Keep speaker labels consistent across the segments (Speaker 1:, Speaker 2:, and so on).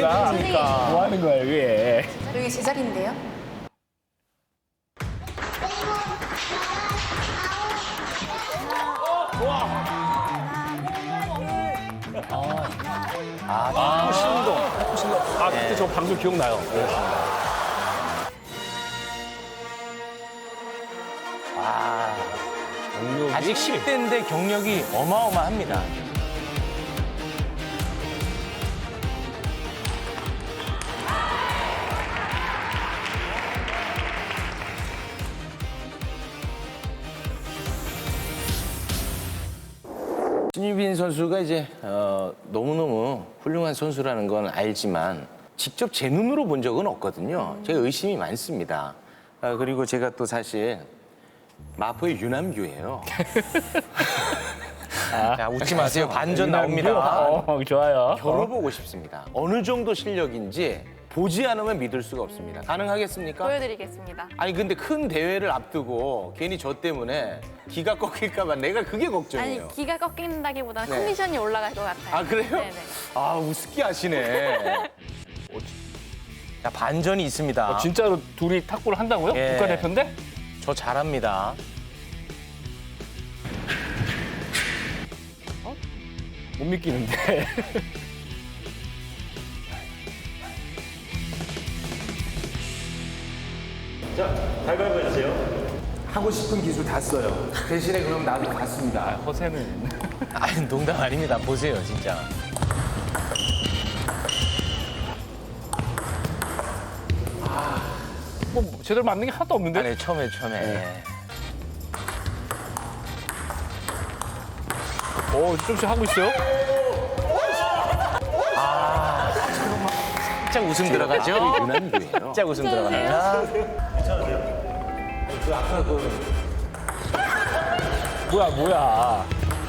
Speaker 1: 거야?
Speaker 2: 그러니까.
Speaker 1: 뭐 하는 거야, 이게?
Speaker 3: 여기 제자리인데요?
Speaker 1: 아, 신동. 아, 그때 저 방송 기억나요. 경력이
Speaker 2: 아직 10대인데 경력이 어마어마합니다. 신유빈 선수가 이제 너무너무 훌륭한 선수라는 건 알지만 직접 제 눈으로 본 적은 없거든요. 제가 의심이 많습니다. 그리고 제가 또 사실 마포의 유남규예요. 자, 웃지 마세요. 반전 나옵니다.
Speaker 1: 좋아요.
Speaker 2: 겨뤄보고 싶습니다. 어느 정도 실력인지 보지 않으면 믿을 수가 없습니다. 가능하겠습니까?
Speaker 3: 보여드리겠습니다.
Speaker 2: 아니 근데 큰 대회를 앞두고 괜히 저 때문에 기가 꺾일까 봐 내가 그게
Speaker 3: 아니
Speaker 2: 걱정이에요.
Speaker 3: 기가 꺾인다기보다는
Speaker 2: 네.
Speaker 3: 컨디션이 올라갈 것 같아요.
Speaker 2: 아 그래요?
Speaker 3: 네네.
Speaker 2: 아 우습게 하시네. 자 반전이 있습니다.
Speaker 1: 진짜로 둘이 탁구를 한다고요?
Speaker 2: 예.
Speaker 1: 국가대표인데?
Speaker 2: 저 잘합니다.
Speaker 1: 못 믿기는데.
Speaker 2: 하고 싶은 기술 다 써요. 대신에 그럼 나도 갔습니다.
Speaker 1: 허세는.
Speaker 2: 아니 농담 아닙니다. 보세요 진짜.
Speaker 1: 뭐 제대로 맞는 게 하나도 없는데?
Speaker 2: 아니 처음에.
Speaker 1: 조금씩 하고 있어요?
Speaker 2: 살짝 웃음 들어가죠? 유난규예요. 살짝 웃음 들어갑니다. 그 아까 그
Speaker 1: 뭐야.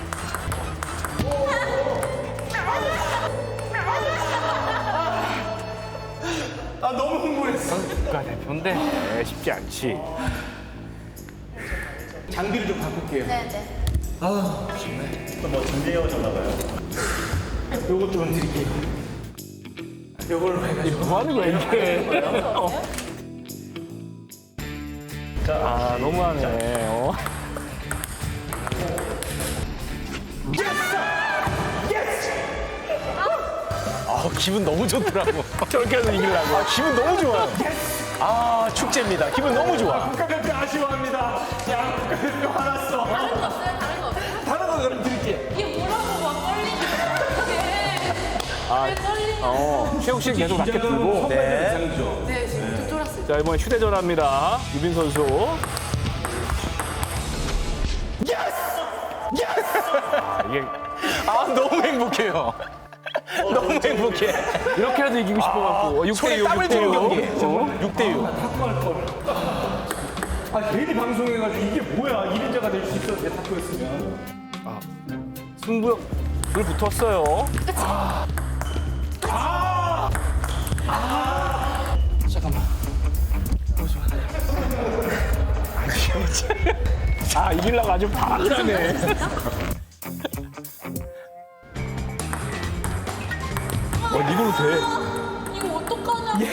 Speaker 2: 아 너무 흥분했어.
Speaker 1: 국가대표인데 쉽지 않지.
Speaker 2: 장비를 좀 바꿀게요.
Speaker 3: 네네.
Speaker 2: 요것 좀 드릴게요. 요걸로 해가지고.
Speaker 1: 뭐 하는 거야, 이게? 아, 너무하네.
Speaker 2: 기분 너무 좋더라고.
Speaker 1: 저렇게 해서 이기려고.
Speaker 2: 기분 너무 좋아요. 아 축제입니다. 기분 너무 좋아.
Speaker 1: 국가대표 아쉬워합니다. 야, 국가대표 화났어.
Speaker 3: 다른 거 없어요? 다른 거 없어요?
Speaker 1: 다른 거 그럼 드릴게요.
Speaker 3: 이게 뭐라고 막 떨리는
Speaker 1: 최욱 씨는 계속 라켓 들고.
Speaker 2: 네.
Speaker 3: 네, 지금 좀 쫄았어요.
Speaker 1: 자, 이번에 휴대전화입니다. 유빈 선수. 이게
Speaker 2: 아 너무 행복해요. 너무 행복해.
Speaker 1: 이렇게라도 이기고 싶어갖고.
Speaker 2: 손에
Speaker 1: 6대6,
Speaker 2: 땀을 쥐는 경기.
Speaker 1: 6대6.
Speaker 2: 6대6.
Speaker 4: 아, 괜히 방송해가지고 이게 뭐야? 1인자가 될 수 있었는데 탁구였으면.
Speaker 1: 승부욕 불 붙었어요. 이기려고 아주 바라네. 이걸로 돼.
Speaker 3: 이거 어떡하냐?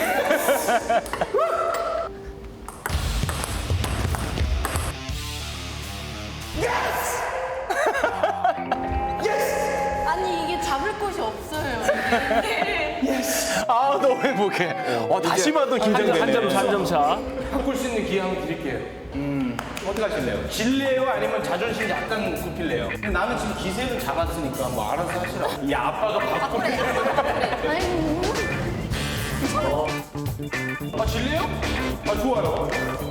Speaker 3: 아니 이게 잡을 곳이 없어요.
Speaker 2: 아 너무 행복해. 다시 봐도 긴장되네.
Speaker 1: 한 점 차.
Speaker 2: 바꿀 수 있는 기회 한번 드릴게요. 어떻게 하실래요? 질래요? 아니면 자존심 약간 굽힐래요? 나는 지금 기세를 잡았으니까 뭐 알아서 하시라고. 이 아빠가 바꿀.
Speaker 3: 아이고.
Speaker 2: 아 질래요? 아 좋아요.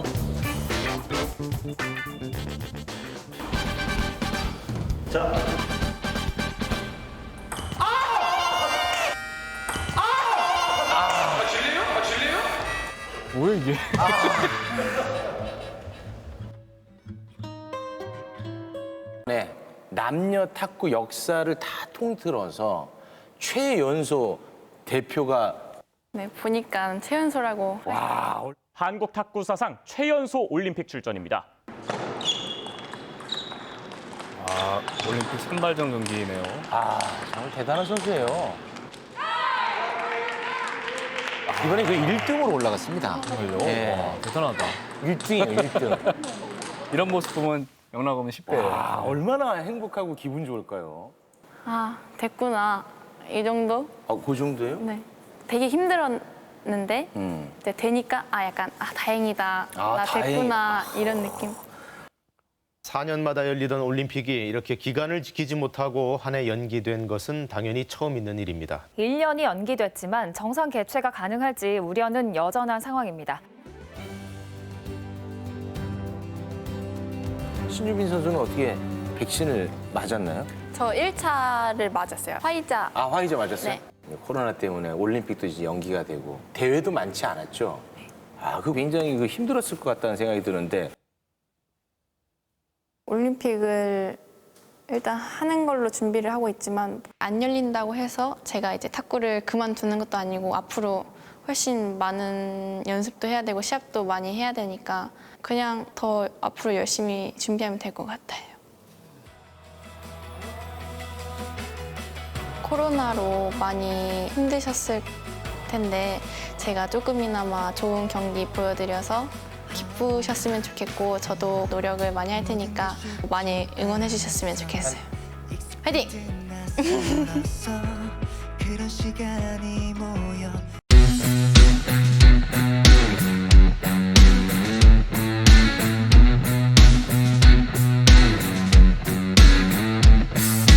Speaker 4: 자,
Speaker 1: 뭐야, 이게?
Speaker 2: 네, 남녀 탁구 역사를 다 통틀어서 최연소 대표가
Speaker 3: 네, 보니까 최연소라고.
Speaker 5: 한국 탁구 사상 최연소 올림픽 출전입니다.
Speaker 1: 올림픽 선발전 경기네요.
Speaker 2: 정말 대단한 선수예요. 이번에 그 1등으로 올라갔습니다. 네.
Speaker 1: 대단하다.
Speaker 2: 1등이에요, 1등.
Speaker 1: 이런 모습 보면 영락 없는 10대.
Speaker 2: 아, 얼마나 행복하고 기분 좋을까요?
Speaker 3: 아, 됐구나. 이 정도?
Speaker 2: 아, 그 정도예요?
Speaker 3: 네. 되게 힘들었는데 이제 되니까 약간 다행이다.
Speaker 2: 아,
Speaker 3: 나 됐구나. 이런 느낌.
Speaker 6: 4년마다 열리던 올림픽이 이렇게 기간을 지키지 못하고 한 해 연기된 것은 당연히 처음 있는 일입니다.
Speaker 7: 1년이 연기됐지만 정상 개최가 가능할지 우려는 여전한 상황입니다.
Speaker 2: 신유빈 선수는 어떻게 백신을 맞았나요?
Speaker 3: 저 1차를 맞았어요. 화이자.
Speaker 2: 아, 화이자 맞았어요?
Speaker 3: 네.
Speaker 2: 코로나 때문에 올림픽도 이제 연기가 되고 대회도 많지 않았죠? 아, 그 굉장히 그 힘들었을 것 같다는 생각이 드는데
Speaker 3: 올림픽을 일단 하는 걸로 준비를 하고 있지만 안 열린다고 해서 제가 이제 탁구를 그만두는 것도 아니고 앞으로 훨씬 많은 연습도 해야 되고 시합도 많이 해야 되니까 그냥 더 앞으로 열심히 준비하면 될 것 같아요. 코로나로 많이 힘드셨을 텐데 제가 조금이나마 좋은 경기 보여드려서 기쁘셨으면 좋겠고 저도 노력을 많이 할 테니까 많이 응원해 주셨으면 좋겠어요. 화이팅!
Speaker 8: 그런 시간이 모여